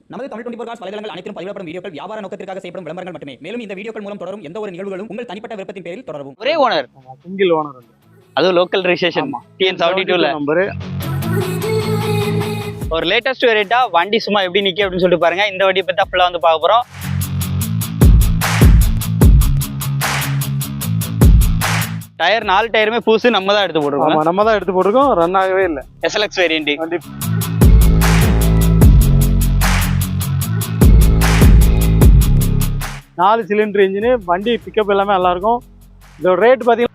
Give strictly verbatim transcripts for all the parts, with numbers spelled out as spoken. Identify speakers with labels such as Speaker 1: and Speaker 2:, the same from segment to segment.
Speaker 1: நமது Tamil twenty four cos வலைதளங்கள் அனைத்தும் பதிவிடப்படும் வீடியோக்கள் வியாபார நோக்கத்திற்காக செய்யப்படும் விளம்பரங்கள் மட்டுமே. மேலும் இந்த வீடியோக்கள் மூலம் தொடரும் எந்த ஒரு நிகழ்வுகளும் உங்கள் தனிப்பட்ட விருப்பத்தின் பேரில் தொடரவும்.
Speaker 2: ஒரே ஓனர்,
Speaker 3: சிங்கிள் ஓனர்,
Speaker 2: அது local registration TN seventy two ல
Speaker 3: நம்பர்.
Speaker 2: ஒரு லேட்டஸ்ட் வேரியண்டா வண்டி சும்மா எப்படி நிக்க அப்படின்னு சொல்லிட்டு பாருங்க. இந்த வண்டியை பத்தி ஃபுல்லா வந்து பார்க்க போறோம். டயர் நாலு டயருமே புதுசு நம்ம தான் எடுத்து போட்டுருக்கோம்.
Speaker 3: நம்ம தான் எடுத்து போட்டுருக்கோம், ரன் ஆகவே இல்லை.
Speaker 2: எஸ்எல்எக்ஸ் வேரியண்ட்
Speaker 3: வண்டி நாலு சிலிண்டர் இன்ஜின், வண்டி பிக்கப் எல்லாமே நல்லா இருக்கும். இதோட ரேட் பார்த்தீங்கன்னா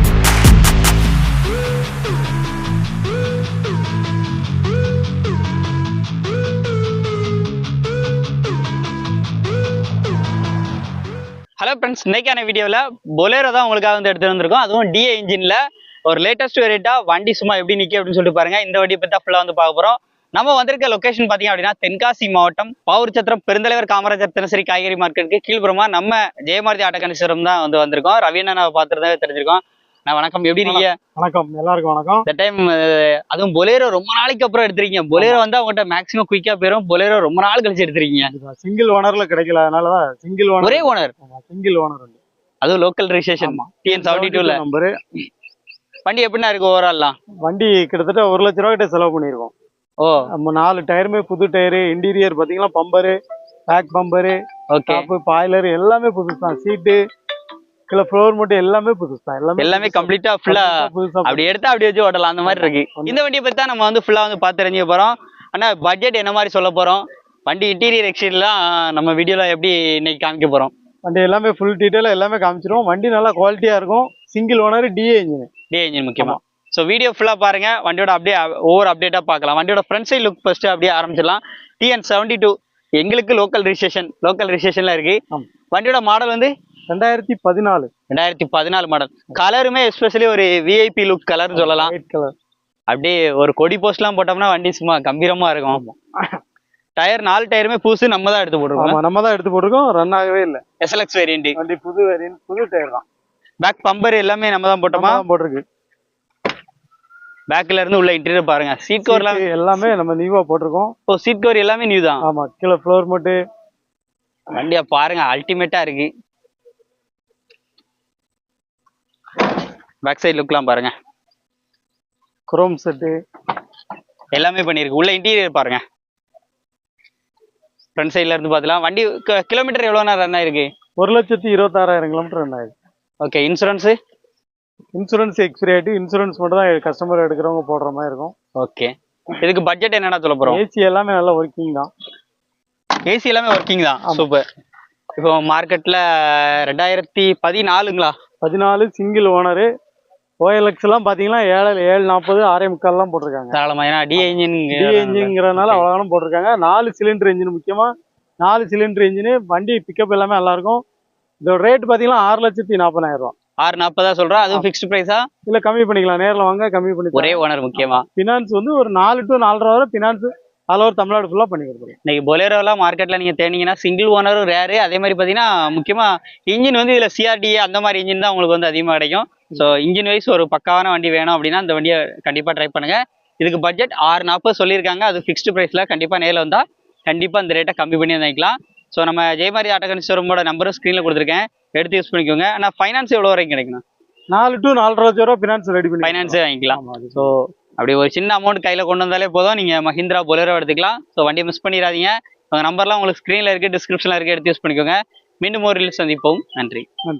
Speaker 2: ஹலோ ஃப்ரெண்ட்ஸ், இன்னைக்கான வீடியோவில் பொலேரோ தான் உங்களுக்காக வந்து எடுத்து வந்திருக்கோம். அதுவும் டிஏ இன்ஜின்ல ஒரு லேட்டஸ்ட் வேரியண்டா வண்டி சும்மா எப்படி நிற்க அப்படின்னு சொல்லிட்டு பாருங்க. இந்த வண்டியை பற்றி ஃபுல்லாக வந்து பார்க்க போகிறோம். நம்ம வந்திருக்க லொகேஷன் பார்த்தீங்க அப்படின்னா தென்காசி மாவட்டம் பாவூர் சத்திரம் பெருந்தலைவர் காமராஜர் தினசரி காய்கறி மார்க்கெட்டுக்கு கீழ்புறமா நம்ம ஜெயமாரதி ஆட்டோகனிஸ்வரம் தான் வந்து வந்திருக்கோம். ரவியண்ணா நான் பார்த்துருந்தாவே தெரிஞ்சிருக்கோம். நான் வணக்கம், எப்படி இருக்கீங்க?
Speaker 3: வணக்கம், எல்லாருக்கும் வணக்கம்.
Speaker 2: இந்த டைம் அதுவும் பொலேரோ ரொம்ப நாளைக்கு அப்புறம் எடுத்திருக்கீங்க. பொலேரோ வந்து அவங்ககிட்ட மேக்ஸிமம் குயிக்கா போயிடும். பொலேரோ ரொம்ப நாள் கழிச்சு எடுத்திருக்கீங்க.
Speaker 3: சிங்கிள் ஓனர்ல கிடைக்கல, அதனாலதான் சிங்கிள் ஓனர்.
Speaker 2: ஒரே ஓனர்,
Speaker 3: சிங்கிள் ஓனர் வண்டி,
Speaker 2: அதுவும் local registration TN seventy two ல
Speaker 3: நம்பர்.
Speaker 2: வண்டி எப்படின்னா இருக்கு ஓவரால்லாம்?
Speaker 3: வண்டி கிட்டத்தட்ட ஒரு லட்ச ரூபா கிட்ட செலவு பண்ணிருக்கோம்.
Speaker 2: ஓ,
Speaker 3: நம்ம நாலு டயருமே புது டயரு, இன்டீரியர் பாத்தீங்கன்னா bumper, back bumper, top, boiler எல்லாமே புதுசு தான். சீட்டு கீழே ஃப்ளோர் மட்டும் எல்லாமே புதுசு தான். எல்லாமே
Speaker 2: எல்லாமே கம்ப்ளீட்டா ஃபுல்லா அப்படி எடுத்தா அப்படி வச்சு ஓட்டலாம், அந்த மாதிரி இருக்கு. இந்த வண்டியை பத்தி தான் நம்ம வந்து ஃபுல்லா வந்து பார்த்து தெரிஞ்சுக்க போறோம். ஆனா பட்ஜெட் என்ன மாதிரி சொல்ல போறோம், வண்டி இன்டீரியர் எக்ஸ்டீரியர்லாம் நம்ம வீடியோல எப்படி இன்னைக்கு காமிக்க போறோம்.
Speaker 3: வண்டி எல்லாமே ஃபுல் டீட்டெயிலாக எல்லாமே காமிச்சிருவோம். வண்டி நல்லா குவாலிட்டியா இருக்கும். Single owner, DA engine.
Speaker 2: DA engine முக்கியமா. ஸோ வீடியோ ஃபுல்லா பாருங்க. வண்டியோட அப்படியே ஒவ்வொரு அப்டேட்டா பார்க்கலாம். வண்டியோட ஃப்ரண்ட் சைட் லுக் ஃபர்ஸ்ட் அப்படியே ஆரம்பிச்சிடலாம். டிஎன் செவன்டி டூ எங்களுக்கு லோக்கல் ரெஜிஸ்ட்ரேஷன் லோக்கல் ரெஜிஸ்ட்ரேஷன்ல இருக்கு. வண்டியோட மாடல் வந்து
Speaker 3: ரெண்டாயிரத்தி பதினாலு
Speaker 2: ரெண்டாயிரத்தி பதினாலு மாடல். கலருமே எஸ்பெஷலி ஒரு விஐபி லுக் கலர்னு சொல்லலாம்.
Speaker 3: White colour.
Speaker 2: அப்படியே ஒரு கொடி போஸ்ட்லாம் போட்டோம்னா வண்டி சும்மா கம்பீரமா இருக்கும். டயர் நாலு டயருமே புதுசு நம்ம தான் எடுத்து போட்டுருக்கோம்.
Speaker 3: நம்ம தான் எடுத்து போட்டுருக்கோம், ரன் ஆகவே இல்லை.
Speaker 2: எஸ்எல்எக்ஸ் வேரியண்ட்
Speaker 3: வண்டி புது வேரியன்ட், புது டயர் தான்.
Speaker 2: பேக் பம்பர் எல்லாமே நம்ம தான் போட்டோமா?
Speaker 3: போட்டிருக்கு.
Speaker 2: பேக்ல இருந்து உள்ள இன்டீரியர் பாருங்க. சீட் கவர்
Speaker 3: எல்லாமே நம்ம நியூவா போட்டிருக்கோம்.
Speaker 2: ஓ, சீட் கவர் எல்லாமே நியூ தான்.
Speaker 3: ஆமா, கீழே ஃப்ளோர் மட்டு.
Speaker 2: வண்டியா பாருங்க, அல்டிமேட்டா இருக்கு. பேக் சைடு லுக்லாம் பாருங்க,
Speaker 3: குரோம் செட்டு
Speaker 2: எல்லாமே பண்ணிருக்கு. உள்ள இன்டீரியர் பாருங்க. ஃப்ரண்ட் சைட்ல இருந்து பார்த்தலாம். வண்டி கிலோமீட்டர் எவ்வளோ நேரம் ரன் ஆயிருக்கு?
Speaker 3: ஒரு லட்சத்தி இருபத்தாறாயிரம் கிலோமீட்டர் ரன் ஆயிருக்கு.
Speaker 2: ஓகே, இன்சூரன்ஸ்
Speaker 3: இன்சூரன்ஸ் எக்ஸ்பிரி ஆயிட்டு, இன்சூரன்ஸ் மட்டும் தான் கஸ்டமர் எடுக்கிறவங்க போடுற மாதிரி இருக்கும்.
Speaker 2: ஓகே, இதுக்கு பட்ஜெட் என்னன்னா சொல்ல போறோம்?
Speaker 3: ஏசி எல்லாமே நல்லா ஒர்க்கிங் தான்.
Speaker 2: ஏசி எல்லாமே ஒர்க்கிங் தான். சூப்பர். இப்போ மார்க்கெட்ல ரெண்டாயிரத்தி பதினாலுங்களா?
Speaker 3: பதினாலு சிங்கிள் ஓனரு. ஓஎல்எக்ஸ் எல்லாம் பாத்தீங்கன்னா ஏழு ஏழு நாற்பது ஆறே முக்கால் எல்லாம் போட்டிருக்காங்க.
Speaker 2: தாராளமா, ஏன்னா டிஏ இன்ஜின்
Speaker 3: டிஏ இன்ஜின்ங்கிறதுனால அவ்வளவு போட்டிருக்காங்க. நாலு சிலிண்டர் இன்ஜின், முக்கியமா நாலு சிலிண்டர் இன்ஜின். வண்டி பிக்கப் எல்லாமே நல்லா இருக்கும். இதோட ரேட் பாத்தீங்கன்னா ஆறு லட்சத்தி நாற்பதாயிரம் ரூபாய்.
Speaker 2: ஆறு நாற்பதா சொல்றா? அதுவும் ஃபிக்ஸ்டு பிரைஸா?
Speaker 3: இல்ல, கம்மி பண்ணிக்கலாம். நேரில் வாங்க, கம்மி பண்ணி.
Speaker 2: ஒரே ஓனர் முக்கியமா.
Speaker 3: பினான்ஸ் வந்து ஒரு நாலு டு நாலரை வரை பினான்ஸ் ஆல் ஓவர் தமிழ்நாடு ஃபுல்லா பண்ணி கொடுத்துருவோம்.
Speaker 2: இன்னைக்கு பொலேரோலாம் மார்க்கெட்ல நீங்க தேடிங்கன்னா சிங்கிள் ஓனரும் ரேரு. அதே மாதிரி பாத்தீங்கன்னா முக்கியமா இன்ஜின் வந்து இதுல சிஆர்டிஏ அந்த மாதிரி இன்ஜின் தான் உங்களுக்கு வந்து அதிகமா கிடைக்கும். ஸோ இன்ஜின் வைஸ் ஒரு பக்காவான வண்டி வேணும் அப்படின்னா இந்த வண்டியை கண்டிப்பா ட்ரை பண்ணுங்க. இதுக்கு பட்ஜெட் ஆறு நாற்பது சொல்லியிருக்காங்க. அது ஃபிக்ஸ்டு பிரைஸ்ல. கண்டிப்பா நேரில் வந்தா கண்டிப்பா இந்த ரேட்டை கம்மி பண்ணி வாங்கிக்கலாம். ஸோ நம்ம ஜெயமாரி ஆட்டோகனிஸ்வரமோட நம்பரும் ஸ்க்ரீனில் கொடுத்துருக்கேன், எடுத்து யூஸ் பண்ணிக்கோங்க. ஆனால் ஃபைனான்ஸ் எவ்வளோ வரைக்கும் கிடைக்கணும்?
Speaker 3: நாலு டு நாலரை லட்சம் ரூபா ஃபினான்ஸ் ரெடி பண்ணி
Speaker 2: ஃபைனான்ஸே வாங்கிக்கலாம். ஸோ அப்படி ஒரு சின்ன அமௌண்ட் கையில் கொண்டு வந்தாலே போதும், நீங்கள் மஹிந்திரா பொலேரோ எடுத்துக்கலாம். ஸோ வண்டியை மிஸ் பண்ணிடாதீங்க. உங்கள் நம்பர்லாம் உங்களுக்கு ஸ்க்ரீனில் இருக்குது, டிஸ்கிரிப்ஷனில் இருக்குது, எடுத்து யூஸ் பண்ணிக்கோங்க. மீண்டும் ஒரு ரீல்ஸ் சந்திப்போம். நன்றி.